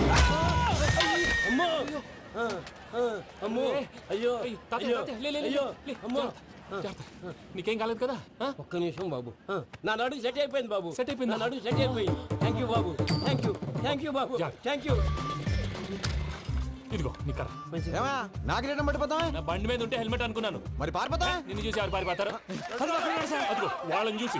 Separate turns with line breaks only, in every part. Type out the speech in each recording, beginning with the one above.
అమ్మో అమ్మో అయ్యో అయ్యో అయ్యో అమ్మో
నీకేం కాలేదు కదా?
ఒక్క నిమిషం బాబు, నా నడు సెట్ అయిపోయింది బాబు.
సెట్ అయిపోయింది,
నా నడు సెట్ అయిపోయింది. థ్యాంక్ యూ బాబు, థ్యాంక్ యూ, థ్యాంక్ యూ బాబు, థ్యాంక్ యూ.
ఇదిగో నీ కర్ర.
నాగలేటం పట్టిపోతావా?
నా బండి మీద ఉంటే హెల్మెట్ అనుకున్నాను.
మరి పారిపోతా?
నిన్ను చూసి ఎవరు పారిపోతారు? అదిగో వాళ్ళని చూసి.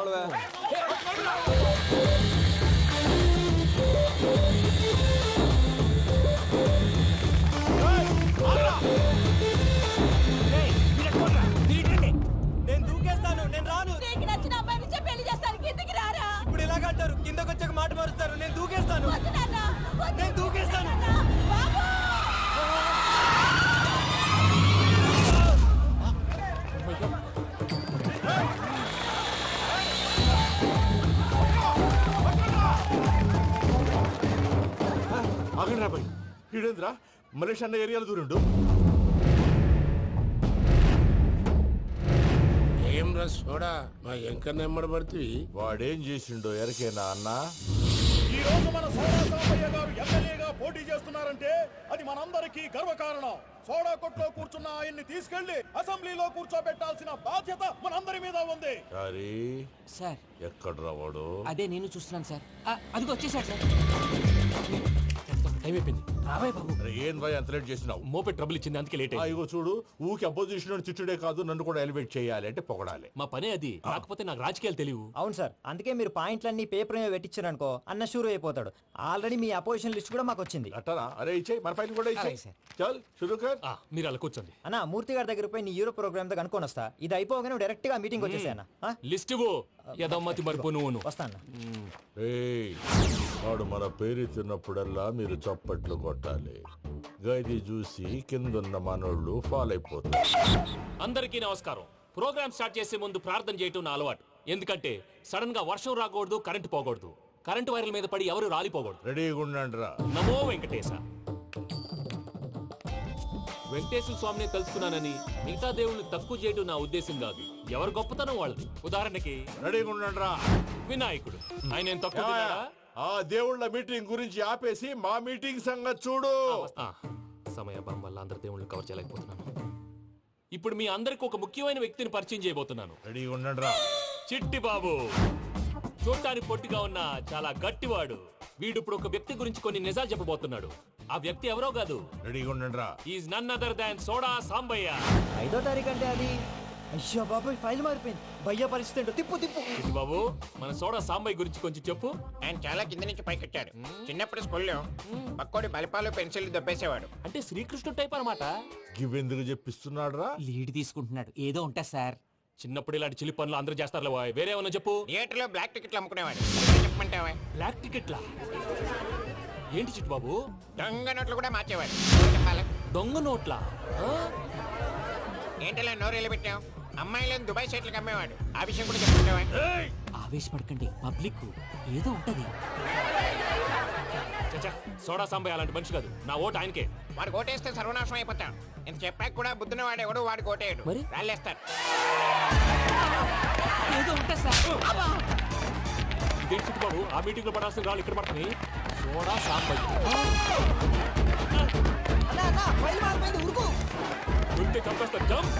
నేను దూకేస్తాను, నేను రాను.
నీకు నచ్చిన అబ్బాయి నుంచే పెళ్లి చేస్తాను, కిందకి రారా.
ఇప్పుడు ఇలాగంటారు, కిందకు వచ్చాక మాట మారుస్తారు. నేను దూకేస్తాను,
వద్దు నాన్న, వద్దు.
నేను దూకేస్తాను.
బాబు
ఆగండి రాబాయ్, ఈడేంద్రా మలేషియా అన్న ఏరియాలో దూరిండు.
ఏం రస్ చూడా మా ఎంకర్ నెమ్మడి పడుతుంది.
వాడేం చేసిండో ఎరకేనా అన్న?
ఈ రోజు మన సోడా సాంబయ్య గారు ఎమ్మెల్యేగా పోటీ చేస్తున్నారంటే అది మనందరికీ గర్వకారణం. సోడా కొట్లో కూర్చున్న ఆయన్ని తీసుకెళ్లి అసెంబ్లీలో కూర్చోబెట్టాల్సిన బాధ్యత మనందరి మీద ఉంది.
సార్
ఎక్కడ రావాడు?
అదే నేను చూస్తున్నాను సార్. అదిగో వచ్చేసాడు సార్.
టైం అయిపోయింది, రాబాయ్ బాబు.
ఏం భయ అంత లేట్ చేసినావు?
మోపే ట్రబుల్ ఇచ్చింది, అందుకే లేట్ అయింది.
ఇగో చూడు, ఊకి అపోజిషన్ తిట్టుడే కాదు, నన్ను కూడా ఎలివేట్ చేయాలి అంటే పొగడాలి.
మా పనే అది, కాకపోతే నాకు రాజకీయాలు తెలియవు.
అవును సార్, అందుకే మీరు పాయింట్లన్నీ పేపర్ మీద పెట్టించారనుకో అన్న షూర్ అయిపోతాడు. ఆల్రెడీ మీ అపోజిషన్ లిస్ట్ కూడా మాకు వచ్చింది.
అట్టనా? అరే ఇచ్చేయి, మన ఫైల్ కూడా ఇచ్చేయి. చల్ షురూ కర్.
మీరు అలా కూర్చోండి.
అన్న మూర్తి గారి దగ్గర పోయి నీ యూరో ప్రోగ్రామ్ తో కనుక్కొని వస్తా. ఇది అయిపోగానే డైరెక్ట్ గా మీటింగ్ వచ్చేసాను.
లిస్ట్ ఇవ్వు, యదమ్మతి మరిపో నువ్వు.
వస్తాను.
వాడు మన పేరు తిన్నప్పుడల్లా మీరు చప్పట్లు కొట్టాలి. గది చూసి కిందున్న మనోళ్ళు ఫాలో అయిపోతారు.
అందరికీ నమస్కారం. ప్రోగ్రామ్ స్టార్ట్ చేసే ముందు ప్రార్థన చేయటం నా అలవాటు. ఎందుకంటే సడన్ గా వర్షం రాకూడదు, కరెంటు పోకూడదు, కరెంటు వైర్ల మీద పడి ఎవరు రాలిపోకూడదు.
రెడీగా ఉండండి రా.
నమో వెంకటేశ. వెంకటేశ్వర స్వామిని తెలుసుకున్నానని మిగతా దేవుళ్ళని తక్కువ చేయడం నా ఉద్దేశం కాదు. ఎవరు గొప్పతనం వాళ్ళది. ఉదాహరణకి
రెడీగా ఉండండి రా.
వినాయకుడు, ఆయన ఏం తక్కువ తిన్నాడా?
ఆ దేవుళ్ళ మీటింగ్ గురించి ఆపేసి మా మీటింగ్ సంగతి చూడు.
సమయాభావం వల్ల అందరి దేవుళ్ళని కవర్ చేయలేకపోతున్నాను. ఇప్పుడు మీ అందరికి ఒక ముఖ్యమైన వ్యక్తిని పరిచయం చేయబోతున్నాను.
రెడీగా ఉండండి రా.
చిట్టి బాబు. చూడటానికి పొట్టిగా ఉన్న చాలా గట్టివాడు. వీడు ఇప్పుడు ఒక వ్యక్తి గురించి కొన్ని నిజాలు చెప్పబోతున్నాడు. ఆ వ్యక్తి ఎవరో కాదు,
రెడీగా ఉండండి రా.
Is none other than soda Sambayya.
5వ తారీఖు అంటే అది. అయ్యో బాబాయ్, ఫైల్ మారిపోయింది. భయ్య పరిస్థితి ఏంటో తిప్పు తిప్పు.
చిట్టి బాబు, మన సోడా సాంబయ్య గురించి కొంచెం చెప్పు.
ఆయన చాలా కింద నుంచి పైకెట్టాడు. చిన్నప్పుడు స్కూల్లో పక్కోడి బలిపాలు పెన్సిల్ దొబ్బేసేవాడు.
అంటే శ్రీకృష్ణుడు టైప్ అనమాట.
గివెందుకు చెప్పిస్తున్నాడు రా?
లీడ్ తీసుకుంటున్నాడు, ఏదో ఉంటా సార్.
చిన్నప్పుడు ఇలాంటి చిలి పనులు అందరూ చేస్తారు. వేరే ఏమన్నా చెప్పు.
థియేటర్లో బ్లాక్ టికెట్లు అమ్ముకునేవాడు. చెప్పమంటావా?
బ్లాక్ టికెట్లా? ఏంటి చిట్టు బాబు?
దొంగ నోట్లు కూడా మార్చేవాడు. చెప్పాలా?
దొంగ నోట్లా?
ఏంటలా నోరేళ్ళు పెట్టావు? అమ్మాయిలను దుబాయ్ సైట్లకు అమ్మేవాడు. ఆ విషయం కూడా చెప్పుకుంటావా?
ఆవేశపడకండి, పబ్లిక్ ఏదో ఉంటది.
సోడా సాంబయ్య అలాంటి మనిషి కాదు. నా ఓటు ఆయనకే.
వాడు ఓటేస్తే సర్వనాశనం అయిపోతాడు. ఇంత చెప్పాక కూడా బుద్ధిన వాడు ఎవడు వాడు ఓటేయడు.
మరి
రాళ్ళేస్తాడు.
ఏదో ఉంటా సార్.
ఇదేంటి చిట్టు బాబు, ఆ మీటింగ్ లో పడాల్సిన రాళ్ళు ఇక్కడ పడుతుంది. సోడా సాంబయ్య ఉంటే చంపేస్తారు. జంప్.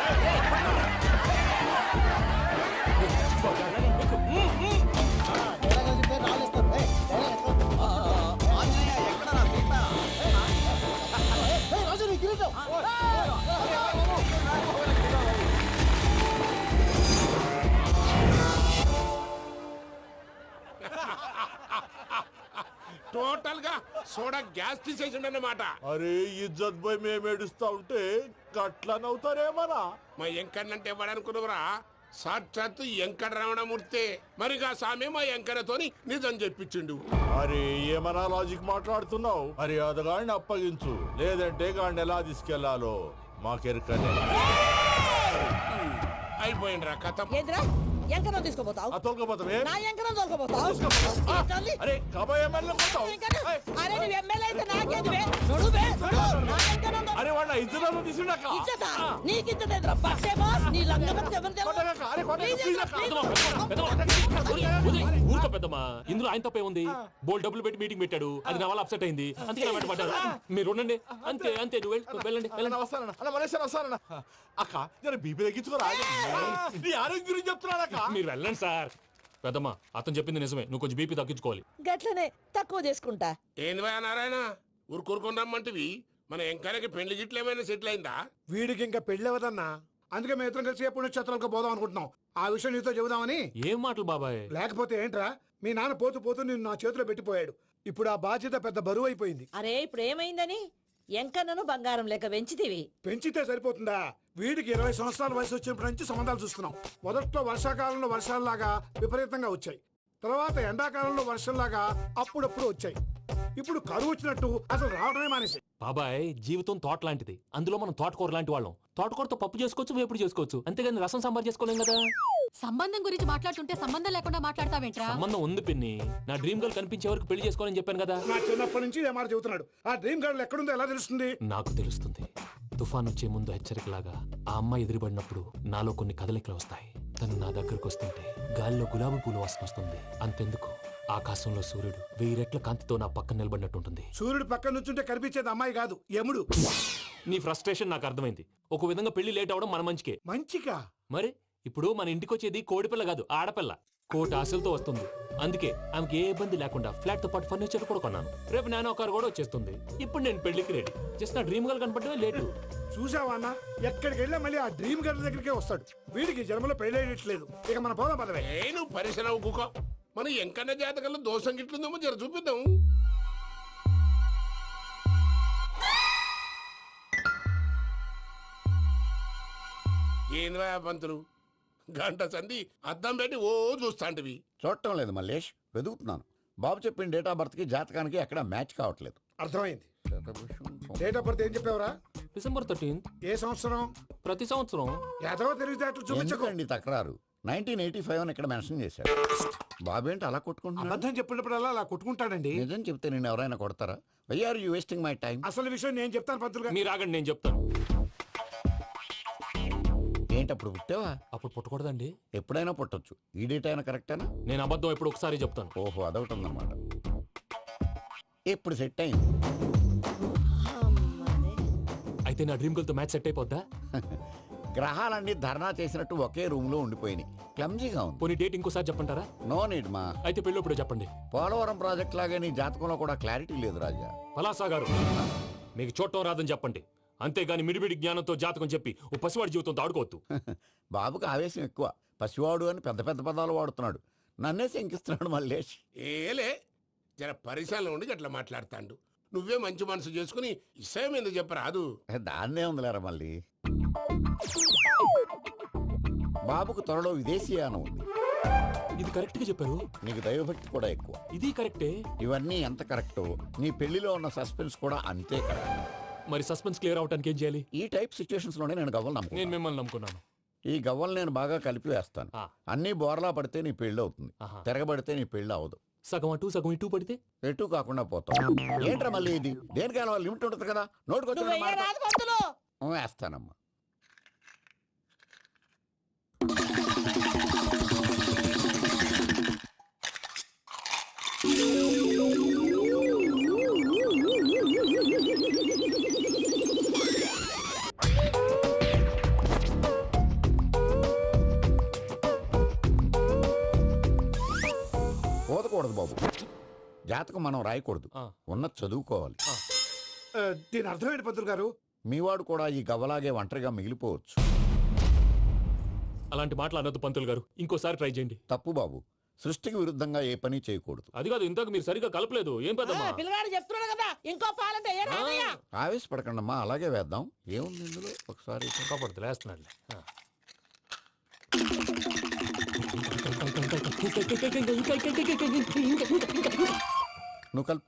టోటల్ గా సోడా గ్యాస్ తీసేసిండన్నమాట.
అరే ఇజ్జత్ పోయి మేము ఏడుస్తా ఉంటే గట్లా నవ్వుతారేమరా?
మా ఎంకన్నంటే ఎవడనుకున్నావురా? సాక్షాత్తు ఎంకట రమణమూర్తి. మరిగా సామె మా ఎంకరతోని నిజం చెప్పించిండు.
అరే ఏమన్నా లాజిక్ మాట్లాడుతున్నావు? మరి అదగాడిని అప్పగించు, లేదంటే గాడిని ఎలా తీసుకెళ్లాలో మాకెరకనే.
అయిపోయిండ్రా కథ.
ఎంకరం తీసుకోపోతావు?
తోలుకోపోతావే?
నా ఎంకరం తోలుకోపోతావు?
అరే కబాయ్ ఎమ్మెల్యే పోతావు.
అరే నువ్వు ఎమ్మెల్యే అయితే నాకేది? నా ఎంకరం
అరే వాడు ఇద్దరు తీసుకున్నాక
ఇచ్చదా నీకు ఇచ్చదేంద్రా బస్సే బాస్ నీ లంగమతి ఎవరు తెలుసు
అరే
ఊరుకో పెద్దమ్మా, ఇందులో ఆయన తప్పే ఉంది. బోల్ డబ్బులు పెట్టి మీటింగ్ పెట్టాడు, అది నా వల్ల అప్సెట్ అయింది, అందుకే నా వెంట పడ్డారు. మీరు ఉండండి, అంతే అంతే, నువ్వు వెళ్ళండి వెళ్ళండి.
వస్తానన్న అన్న మలేశ్వర వస్తానన్న. అక్క జర బీపీ తగ్గించుకోరా, నీ ఆరోగ్యం గురించి చెప్తున్నాను అక్క.
మీరు వెళ్ళండి సార్. పెద్దమ్మా, అతను చెప్పింది నిజమే, నువ్వు కొంచెం బీపీ తగ్గించుకోవాలి.
గట్లనే తక్కువ చేసుకుంటా.
ఏంది భయ నారాయణ ఊరుకూరుకొని రమ్మంటివి? మన ఎంకనకి పెళ్లి గిట్లు ఏమైనా సెటిల్ అయిందా?
వీడికి ఇంకా పెళ్ళవదన్నా, అందుకే మేము ఇద్దరం కలిసి పుణ్యక్షేత్రాలకు పోదాం అనుకుంటున్నాం. ఆ విషయం నీతో చెబుదామని.
ఏం మాటలు బాబాయ్?
లేకపోతే ఏంట్రా, మీ నాన్న పోతూ పోతూ నిన్ను నా చేతిలో పెట్టిపోయాడు. ఇప్పుడు ఆ బాధ్యత పెద్ద బరువు అయిపోయింది.
అరే ఇప్పుడు ఏమైందని ఎంకన్నను బంగారం లెక్క పెంచితివి.
పెంచితే సరిపోతుందా? వీడికి 20 సంవత్సరాల వయసు వచ్చినప్పటి నుంచి సంబంధాలు చూస్తున్నాం. మొదట్లో వర్షాకాలంలో వర్షాలలాగా విపరీతంగా వచ్చాయి, తర్వాత ఎండాకాలంలో వర్షంలాగా అప్పుడప్పుడు వచ్చాయి. ఇప్పుడు కరువు వచ్చినట్టు అసలు రావడమే మానేసి.
బాబాయ్, జీవితం తోట లాంటిది, అందులో మనం తోటకూర లాంటి వాళ్ళం. తోటకూరతో పప్పు చేసుకోవచ్చు, వేపుడు చేసుకోవచ్చు, అంతేగాని రసం సాంబార్ చేసుకోలేం కదా.
సంబంధం గురించి మాట్లాడుతుంటే సంబంధం లేకుండా మాట్లాడతావేంట్రా?
సంబంధం ఉంది పిన్ని, నా డ్రీమ్ గర్ల్ కనిపించే వరకు పెళ్లి చేసుకోవాలని చెప్పాను కదా.
నా చిన్నప్పటి నుంచి ఏ మాట చెబుతున్నాడు. ఆ డ్రీమ్ గర్ల్ ఎక్కడుందో ఎలా తెలుస్తుంది?
నాకు తెలుస్తుంది. తుఫాన్ వచ్చే ముందు హెచ్చరికలాగా ఆ అమ్మాయి ఎదురుపడినప్పుడు నాలో కొన్ని కదలికలు వస్తాయి. తను నా దగ్గరకు వస్తుంటే గాలిలో గులాబీ పూలు వాసన వస్తుంది. అంతెందుకు, ఆకాశంలో సూర్యుడు 1000 రెట్ల కాంతితో నా పక్కన నిలబడినట్టుంటుంది.
సూర్యుడు పక్కన నుంచుంటే కనిపించేది అమ్మాయి కాదు, యముడు.
నీ ఫ్రస్ట్రేషన్ నాకు అర్థమైంది. ఒక విధంగా పెళ్లి లేట్ అవడం మన మంచికే.
మంచిగా?
మరి ఇప్పుడు మన ఇంటికి వచ్చేది కోడిపిల్ల కాదు, ఆడపిల్ల. కోటి ఆశలతో వస్తుంది. అందుకే ఆమెకి ఏ ఇబ్బంది లేకుండా ఫ్లాట్ తో పాటు ఫర్నిచర్ కూడా కొన్నాను. రేపు నానో కారు కూడా వచ్చేస్తుంది. ఇప్పుడు నేను పెళ్లికి రెడీ. జస్ట్ నా డ్రీమ్ గర్ల్ కనపడమే లేటు.
చూసావా అన్న, ఎక్కడికి వెళ్ళా మళ్ళీ ఆ డ్రీమ్ గర్ల్ దగ్గరికే వస్తాడు. వీడికి జన్మలో పెళ్ళేయట్లేదు. ఇక మన పోదాం పదవే.
నువ్వు పరిశ్రమ కుక. మన ఎంకన్న జాతకంలో దోషం గిట్లుందేమో జర చూపిద్దాం. ఏంది పంతులు, గంట సంధి అద్దం పెట్టి ఓ చూస్తాంటివి.
చూడటం లేదు మల్లేష్, వెతుకుతున్నాను. బాబు చెప్పిన డేట్ ఆఫ్ బర్త్ కి జాతకానికి ఎక్కడ మ్యాచ్ కావట్లేదు.
అర్థమైంది. డేట్ ఆఫ్ బర్త్ ఏం చెప్పావురా?
December 13th.
ఏ సంవత్సరం?
ప్రతి సంవత్సరం.
ఎదవ తెలివితేటలు చూపించకండి.
ఎందుకండి తక్రారు? 1985 అని ఇక్కడ మెన్షన్ చేశారు. బాబు ఏంటి అలా కొట్టుకుంటున్నాడు?
అబద్ధం చెప్పినప్పుడల్లా అలా కొట్టుకుంటాడండి.
నిజం చెప్తే నేను ఎవరైనా కొడతారా? Why are you wasting my time?
అసలు విషయం నేను చెప్తాను పంతులు గారు.
మీరు ఆగండి, నేను చెప్తాను.
ఏంటి అప్పుడు పుట్టావా?
అప్పుడు పుట్టకూడదండి.
ఎప్పుడైనా పుట్టొచ్చు. ఈ డేట్ అయినా కరెక్టేనా?
నేను అబద్ధం ఎప్పుడు ఒకసారి చెప్తాను.
ఓహో, అదొకటి ఉందన్నమాట. ఇప్పుడు సెట్ అయింది.
అయితే నా డ్రీమ్ గర్ల్ తో మ్యాచ్ సెట్ అయిపోద్దా?
గ్రహాలన్నీ ధర్నా చేసినట్టు ఒకే రూమ్ లో ఉండిపోయినాయి. క్లమ్జీగా ఉంది.
పోనీ డేట్ ఇంకోసారి చెప్పంటారా?
నో నీడ్ మా.
అయితే పెళ్ళి ఇప్పుడు చెప్పండి.
పోలవరం ప్రాజెక్ట్ లాగే నీ జాతకంలో కూడా క్లారిటీ లేదు రాజా.
పలాసా గారు, మీకు చూడటం రాదని చెప్పండి, అంతేగాని మిడిమిడి జ్ఞానంతో జాతకం చెప్పి ఓ పసివాడి జీవితంతో ఆడుకోవద్దు.
బాబుకి ఆవేశం ఎక్కువ. పసివాడు అని పెద్ద పెద్ద పదాలు వాడుతున్నాడు. నన్నే శంకిస్తున్నాడు మల్లేష్.
ఏలే, జర పరిశ్రమలో ఉండి అట్లా మాట్లాడతాండు. నువ్వే మంచి మనసు చేసుకుని ఇష్టం ఎందుకు చెప్పరాదు?
దాన్నే ఉందిలేరా మళ్ళీ. బాబుకు త్వరలో విదేశీయానం ఉంది.
ఇది కరెక్ట్ గా చెప్పారు.
నీకు దైవభక్తి కూడా ఎక్కువ.
ఇది కరెక్టే.
ఇవన్నీ ఎంత కరెక్టో నీ పెళ్లిలో ఉన్న సస్పెన్స్ కూడా అంతే కరెక్ట్.
మరి సస్పెన్స్ క్లియర్ అవడానికి ఏం చేయాలి?
ఈ టైప్ సిచ్యువేషన్స్ లోనే నేను గవ్వలు
నేను
నమ్ముకున్నాను.
మిమ్మల్ని నమ్ముకున్నాను.
ఈ గవ్వలు నేను బాగా కలిపి వేస్తాను. అన్ని బోర్లా పడితే నీ పెళ్లి అవుతుంది, తిరగబడితే నీ పెళ్లి అవదు.
సగం అటు సగం ఇటు పడితే
ఎటు కాకుండా పోతాం. ఏంట్రా మళ్ళీ ఇది? దేనికైనా లిమిట్ ఉంటుంది కదా. నోటుకొచ్చి
రాదు పంతులు.
వేస్తానమ్మా. పోదకూడదు బాబు. జాతకం మనం రాయకూడదు, ఉన్నది చదువుకోవాలి.
దీని అర్థమేంటి పంతులు గారు?
మీవాడు కూడా ఈ గవ్వలాగే ఒంటరిగా మిగిలిపోవచ్చు.
అలాంటి మాటలు అనొద్దు పంతులు గారు, ఇంకోసారి ట్రై చేయండి.
తప్పు బాబు. సృష్టికి విరుద్ధంగా ఏ పని చేయకూడదు.
అది కాదు, ఇంతకు మీరు సరిగా కలపలేదు. ఏం పెద్దమ్మా?
పిల్లగాడు చెప్తున్నాడు కదా, ఇంకో పాలంటే ఏ రాదయ్యా.
ఆవేశపడకండమ్మా, అలాగే వేద్దాం. ఏముంది ఇందులో? ఒకసారి
కాపాడుతు లేస్తున్నాడు.
నువ్వు కల్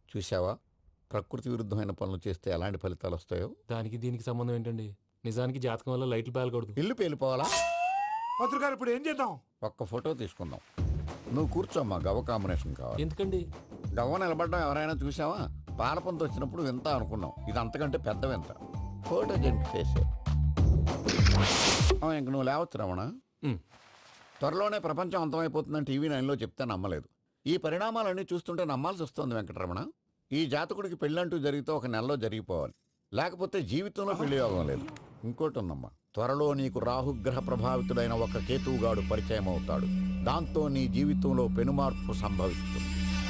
చూసావా ప్రకృతి విరుద్ధమైన పనులు చేస్తే ఎలాంటి ఫలితాలు వస్తాయో.
దానికి దీనికి సంబంధం ఏంటండి? నిజానికి జాతకం వల్ల లైట్లు పేలకూడదు.
ఇల్లు పేలిపోవాలా?
పత్రికారు ఇప్పుడు ఏం చేద్దాం?
ఒక్క ఫోటో తీసుకుందాం. నువ్వు కూర్చోమ్మా, గవ్వ కాంబినేషన్ కావాలి.
ఎందుకండి?
గవ్వ నిలబడ్డం ఎవరైనా చూసావా? పాలపంత వచ్చినప్పుడు వింత అనుకున్నాం, ఇది అంతకంటే పెద్ద వింత. ఫోటో జంప్ చేసే ఇంక నువ్వు లేవచ్చు రమణ. త్వరలోనే ప్రపంచం అంతమైపోతుందని టీవీ 9లో చెప్తే నమ్మలేదు. ఈ పరిణామాలన్నీ చూస్తుంటే నమ్మాల్సి వస్తుంది వెంకటరమణ. ఈ జాతకుడికి పెళ్ళంటూ జరిగితే ఒక నెలలో జరిగిపోవాలి, లేకపోతే జీవితంలో పెళ్లి యోగం లేదు. ఇంకోటి ఉందమ్మా, త్వరలో నీకు రాహుగ్రహ ప్రభావితుడైన ఒక కేతువుగాడు పరిచయం అవుతాడు. దాంతో నీ జీవితంలో పెనుమార్పు సంభవిస్తుంది.